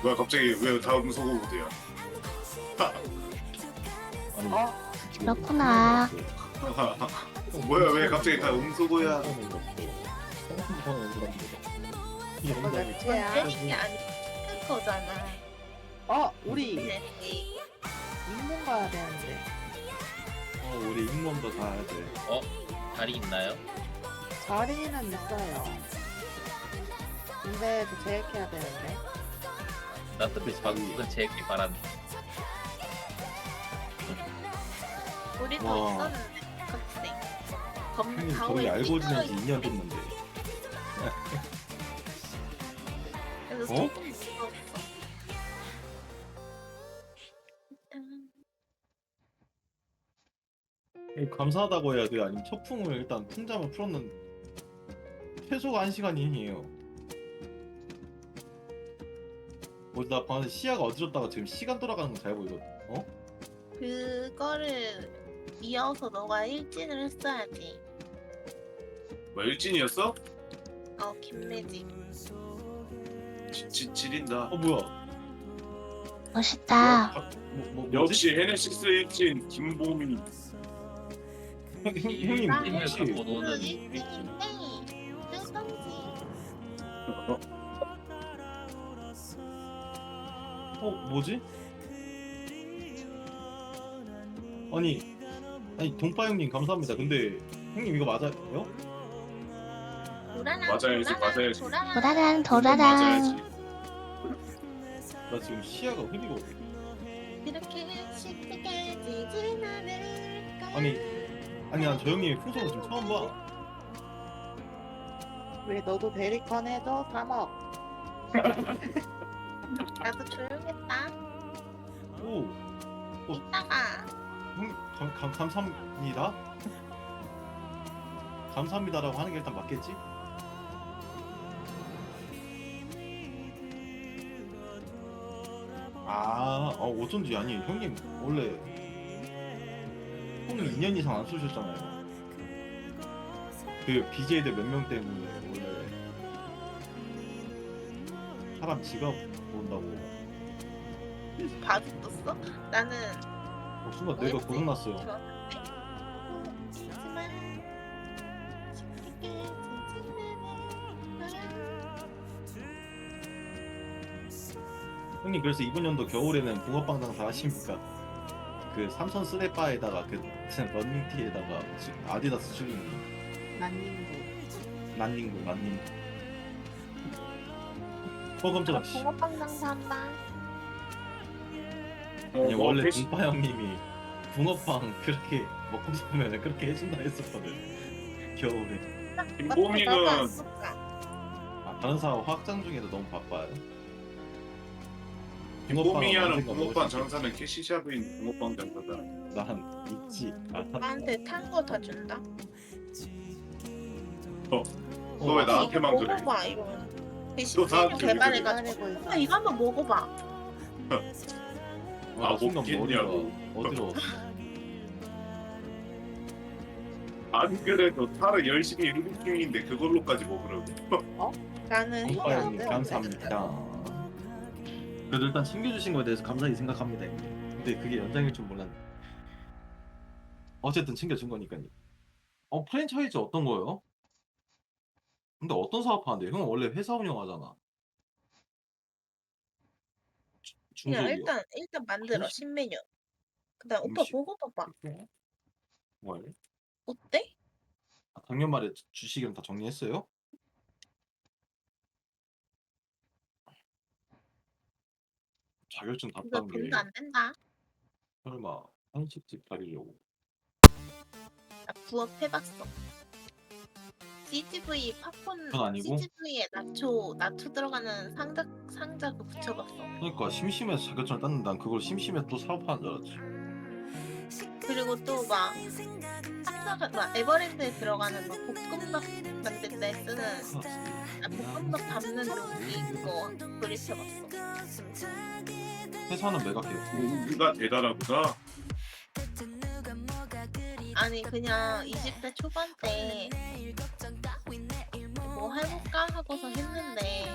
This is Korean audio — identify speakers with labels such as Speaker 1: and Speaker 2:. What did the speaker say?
Speaker 1: 뭐야 갑자기 왜 다음 소고부대야?
Speaker 2: 아니,
Speaker 3: 어?
Speaker 4: 그렇구나.
Speaker 1: 뭐야 왜 갑자기 다 음소거야?
Speaker 3: 너 몇째야?
Speaker 5: 이게 아니 거잖아.
Speaker 3: 우리
Speaker 5: 네.
Speaker 3: 인문 가야 되는데.
Speaker 2: 우리 ing몬도 가야 돼.
Speaker 6: 자리 있나요?
Speaker 3: 자리는 있어요. 근데 저 계획해야 되는데.
Speaker 6: 나도 그 방금 제 얘기 말한.
Speaker 5: 우리도
Speaker 2: 와.
Speaker 5: 있었는데 갑자기
Speaker 2: 형님 저희
Speaker 5: 가오에
Speaker 2: 알고 지낸 지
Speaker 5: 삐뚤어
Speaker 2: 2년 됐는데.
Speaker 5: 그래서
Speaker 2: 어?
Speaker 5: 조금 무서웠어.
Speaker 2: 감사하다고 해야 돼요? 아니면 첫풍을 일단 풍자만 풀었는 최소가 1시간이에요. 나 방금 시야가 어지럽다가 지금 시간 돌아가는 거 잘 보이거든.
Speaker 5: 그거를 이어서 너가 일진을 했어야지.
Speaker 1: 뭐 일진이었어?
Speaker 5: 김매직.
Speaker 1: 지린다.
Speaker 2: 뭐야?
Speaker 4: 멋있다.
Speaker 2: 뭐지?
Speaker 1: 역시 헤네시스 일진 김보미.
Speaker 2: 형님
Speaker 5: 나
Speaker 2: 혹시
Speaker 6: 갖고
Speaker 5: 그
Speaker 6: 노는
Speaker 5: 일진인데 뜨던지.
Speaker 2: 뭐지? 아니 동파 형님 감사합니다. 근데 형님 이거 맞아요?
Speaker 1: 맞아야지, 맞아야지.
Speaker 4: 도라란
Speaker 1: 맞아야지.
Speaker 4: 도라란.
Speaker 2: 나 지금 시야가 흐리거든.
Speaker 5: 이렇게 쉽게 지진 않을까.
Speaker 2: 아니 난 저 형님의 풍속을 지금 처음 봐.
Speaker 3: 왜 너도 베리컨 해줘? 3억.
Speaker 5: 나도 조용했다.
Speaker 2: 오,
Speaker 5: 이따가
Speaker 2: 형 감사합니다. 감사합니다라고 하는 게 일단 맞겠지? 어쩐지 아니 형님 원래 폰을 2년 이상 안 쓰셨잖아요. 그 BJ들 몇 명 때문에 원래 사람 지갑 본다고.
Speaker 5: 봐줬었어? 나는
Speaker 2: 순간 내가
Speaker 5: OX
Speaker 2: 고장났어요.
Speaker 5: 좋았는데. 하지만 쉽게
Speaker 2: 형님 그래서 이번 연도 겨울에는 붕어빵 장사 하십니까? 그 삼선 쓰레바에다가 그 런닝티에다가 아디다스 추리닝
Speaker 3: 난닝구.
Speaker 2: 난닝구 깜짝아 씨.
Speaker 5: 붕어빵 장사한다.
Speaker 2: 아니 원래
Speaker 1: 패시-
Speaker 2: 동파 형님이 붕어빵 그렇게 먹고 싶으면 그렇게 해준다 했었거든 겨울에.
Speaker 1: 김보미는
Speaker 2: 다른 사람 확장 중에도 너무 바빠요.
Speaker 1: 김보미야는
Speaker 2: 언젠가 먹을
Speaker 1: 붕어빵
Speaker 2: 수 있겠지.
Speaker 1: 장사는 캐시샵인 붕어빵 장사다.
Speaker 2: 난 있지.
Speaker 5: 나한테 탄 거 다 준다.
Speaker 1: 너 왜 나한테만 그래?
Speaker 5: 먹어봐 이러면.
Speaker 1: 또 다
Speaker 5: 시스템 개발해가지고.
Speaker 3: 기다리고 있어.
Speaker 5: 이거 한번 먹어봐.
Speaker 2: 나 순간 머리가
Speaker 1: 먹겠냐고.
Speaker 2: 어지러웠어.
Speaker 1: 안 그래도 타를 열심히 일기 중인데 그걸로까지 먹으라고.
Speaker 5: 나는
Speaker 2: 동파
Speaker 5: 이거
Speaker 2: 형님 감사합니다. 그래도 일단 챙겨주신 거에 대해서 감사히 생각합니다. 근데 그게 연장일 줄 몰랐네. 어쨌든 챙겨준 거니까요. 프랜차이즈 어떤 거요? 근데 어떤 사업 하는데? 형은 원래 회사 운영하잖아.
Speaker 5: 그냥
Speaker 2: 중소기업.
Speaker 5: 일단 만들어
Speaker 2: 음식?
Speaker 5: 신메뉴. 그다음 오빠
Speaker 2: 음식?
Speaker 5: 먹어봐봐.
Speaker 2: 뭐예요?
Speaker 5: 어때?
Speaker 2: 작년 말에 주식은 다 정리했어요? 자격증 다
Speaker 5: 이거
Speaker 2: 딴 게
Speaker 5: 돈도 안 된다.
Speaker 2: 설마 한식집 다리려고?
Speaker 5: 나 부업 해봤어. CGV 팝콘
Speaker 2: 그건 아니고?
Speaker 5: CGV에 나초 들어가는 상자 그 붙여봤어.
Speaker 2: 그러니까 심심해서 자격증을 땄는데 난 그걸 심심해서 또 사업하는 줄 알았지.
Speaker 5: 그리고 또 막 에버랜드에 들어가는 막 볶음밥 만들 때 쓰는 볶음밥 담는 용기 그거 조립해봤어.
Speaker 2: 회사는 매각해.
Speaker 1: 우리가 대단하구나.
Speaker 5: 아니 그냥 20대 초반 때 뭐 해볼까 하고서 했는데